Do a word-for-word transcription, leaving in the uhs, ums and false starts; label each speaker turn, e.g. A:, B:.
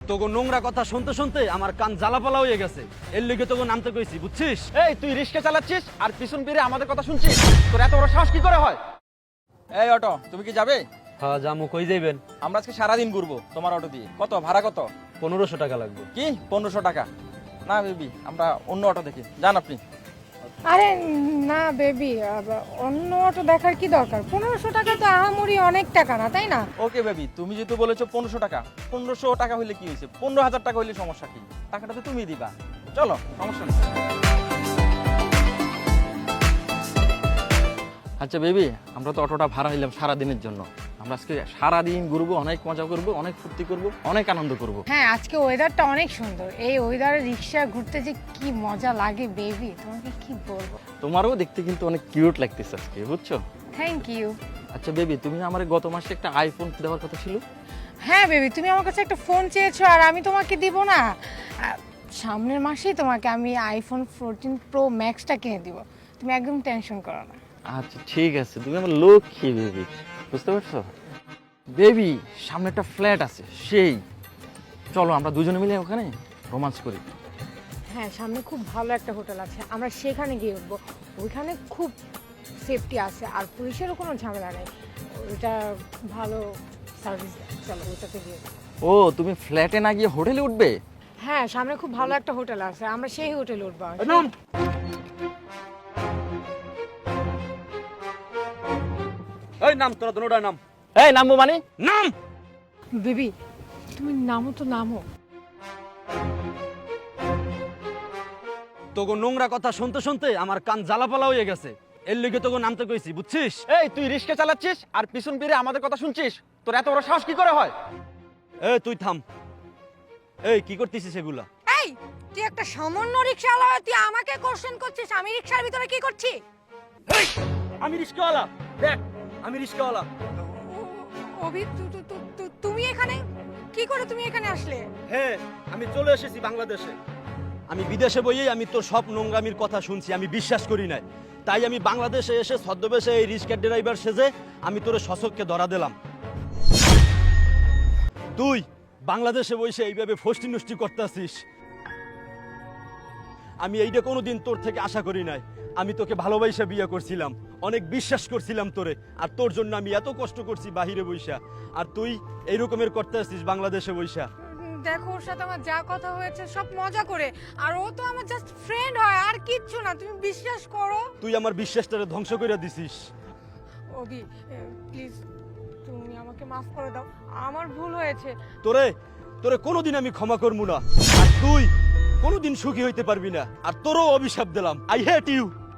A: তোকে নোংরা কথা শুনতে শুনতে আমার কান জ্বালাপালা হয়ে গেছে। এর লিগে তোকে নামতে কইছি, বুঝছিস?
B: এই তুই রিস্কা চালাচ্ছিস আর পিছন ফিরে আমাদের কথা শুনছিস? তোর এত বড় সাহস কি করে হয়? এই অটো, তুমি কি যাবে?
A: হ্যাঁ জামু, কই যাইবেন?
B: আমরা আজকে সারাদিন ঘুরবো তোমার অটো দিয়ে। কত ভাড়া কত?
A: পনেরোশো টাকা লাগবে।
B: কি পনেরোশো টাকা? না বেবি, আমরা অন্য অটো দেখি, যান আপনি।
C: আরে না বেবি, অন্য অটো দেখার কি দরকার? পনেরোশো টাকা তো আহামরি অনেক টাকা না, তাই না?
B: ওকে বেবি, তুমি যেহেতু বলেছো পনেরোশো টাকা, পনেরোশো টাকা হইলে কি হয়েছে? পনেরো হাজার টাকা হইলে সমস্যা কি? টাকাটা তো তুমি দিবা। চলো, সমস্যা নেই। আচ্ছা বেবি, আমরা তো অটোটা ভাড়া হইলাম সারাদিনের জন্য। আমরা আজকে সারাদিন ঘুরবো, অনেক মজা করবো, অনেক ফুর্তি করবো, অনেক আনন্দ করবো।
C: হ্যাঁ, আজকে ওয়েদারটা অনেক সুন্দর। এই ওয়েদারে রিক্সা ঘুরতে যে কি মজা লাগে বেবি, তোমাকে কি বলবো।
B: তোমারও দেখতে কিন্তু অনেক কিউট লাগতেছে আজকে, বুঝছো?
C: Thank you.
B: আচ্ছা বেবি, তুমি আমার গত মাসে একটা আইফোন দেওয়ার কথা ছিল।
C: হ্যাঁ বেবি, তুমি আমার কাছে একটা ফোন চেয়েছো আর আমি তোমাকে দিব না? আহ, সামনের মাসেই তোমাকে আমি আইফোন ফোরটিন প্রো ম্যাক্সটা কিনে দিব, তুমি একদম টেনশন করো না।
B: আচ্ছা ঠিক আছে, তুমি আমার লক্ষ্মী বেবি, বুঝতে পারছো? বেবি, সামনে একটা ফ্ল্যাট আছে, সেই চলো আমরা দুজনে মিলে ওখানে রোমান্স করি।
C: হ্যাঁ, সামনে খুব ভালো একটা হোটেল আছে, আমরা সেখানে গিয়ে উঠবো। ওইখানে খুব সেফটি আছে আর পুলিশেরও কোনো ঝামেলা নেই। ওইটা ভালো সার্ভিস দেয়, চলো ওইটাতে গিয়ে।
B: ও, তুমি ফ্ল্যাটে না গিয়ে হোটেলে উঠবে?
C: হ্যাঁ, সামনে খুব ভালো একটা হোটেল আছে, আমরা সেই হোটেলে উঠবো।
A: নাম এই নাম, তোরা দুটোটার নাম।
B: এই নামবো মানে?
A: নাম।
C: বেবি, তুমি নামো তো নামো।
A: তোকে নোংরা কথা শুনতে শুনতে আমার কান জ্বালাপালা হয়ে গেছে। এর লিগে তোকে নামতে কইছি, বুঝছিস?
B: এই তুই রিস্কা চালাচ্ছিস আর পিছন ফিরে আমাদের কথা শুনছিস? তোর এত বড় সাহস কি করে হয়?
A: এই তুই থাম। এই কি করতেছিস এগুলা?
C: এই, তুই একটা সামান্য রিকশাওয়ালা, তুই আমাকে কোশ্চেন করছিস আমি রিকশার ভিতরে কি করছি?
A: এই, আমি রিস্কাওয়ালা, দেখ আমি রিস্কাওয়ালা।
C: অভি, তু- তু- তু- তু- তুমি এখানে কি করে? তুমি এখানে আসলে?
A: হ্যাঁ, আমি চলে এসেছি বাংলাদেশে। আমি বিদেশে বইয়েই আমি তোর সব নোংরামির কথা শুনছি, আমি বিশ্বাস করি নাই। তাই আমি বাংলাদেশে এসে ছদ্মবেশে এই রিস্কার ড্রাইভার সেজে আমি তোর সশককে ধরা দিলাম। তুই বাংলাদেশে বসে এইভাবে ফষ্টি নষ্টি করতেছিস, আমি এইটা কোনোদিন তোর থেকে আশা করি নাই। আমি তোকে ভালোবাসা বিয়ে করছিলাম, অনেক বিশ্বাস করছিলাম তোরে, আর তোর জন্য আমি এত কষ্ট করছি বাহিরে বইসা, আর তুই এই রকমের করতে আসছিস বাংলাদেশে বইসা।
C: দেখো, ওর সাথে আমার যা কথা হয়েছে সব মজা করে, আর ও তো আমার জাস্ট ফ্রেন্ড হয়, আর কিচ্ছু না, তুমি বিশ্বাস করো।
A: তুই আমার বিশ্বাসটারে ধ্বংস করে দিছিস।
C: অভি, প্লিজ তুমি আমাকে মাফ করে দাও, আমার ভুল হয়েছে।
A: তোরে তোরে কোনোদিন আমি ক্ষমা করবো না, আর তুই কোনোদিন সুখী হইতে পারবি না, আর তোরও অভিশাপ দিলাম। I hate you.